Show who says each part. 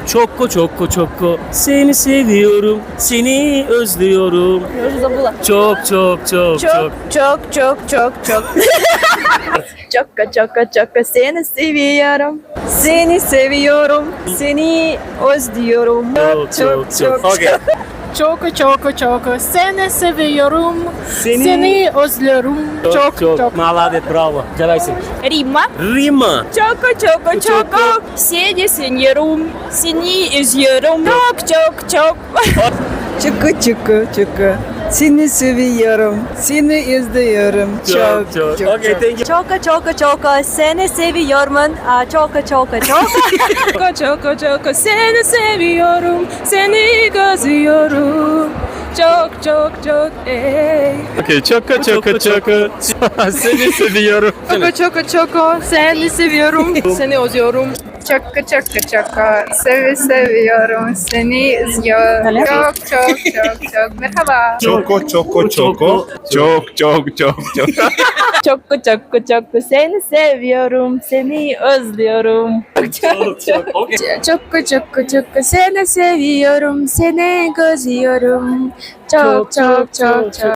Speaker 1: Çoko çoko çoko seni seviyorum, seni özlüyorum. Çok çok çok çok.
Speaker 2: Çok. Çok çok seni seviyorum. Seni seviyorum. Seni özlüyorum.
Speaker 1: Çok. Okay.
Speaker 3: Çok seni seviyorum.
Speaker 1: Seni-
Speaker 3: Seni özlüyorum.
Speaker 1: Çok. Maladet, bravo. Давайте.
Speaker 2: Римма.
Speaker 1: Rima.
Speaker 2: Çok. Seni seviyorum. Seni özlüyorum. Çok.
Speaker 4: Çıkı. Seni seviyorum. Seni izliyorum.
Speaker 1: Çok. Okay, thank you.
Speaker 2: Çok seni seviyorum. Çok seni seviyorum. Seni gözlüyorum. Çok ey.
Speaker 1: Okay, çoko çoko çoko. Seni seviyorum.
Speaker 3: Çok seni seviyorum. Seni özlüyorum.
Speaker 5: Çok seviyorum seni izliyorum. Çok. Merhaba.
Speaker 6: Çoko çoko çoko.
Speaker 2: Çok seni seviyorum. Seni özlüyorum.
Speaker 1: Okay.
Speaker 5: Çok seni seviyorum. Seni gözlüyorum. Çok.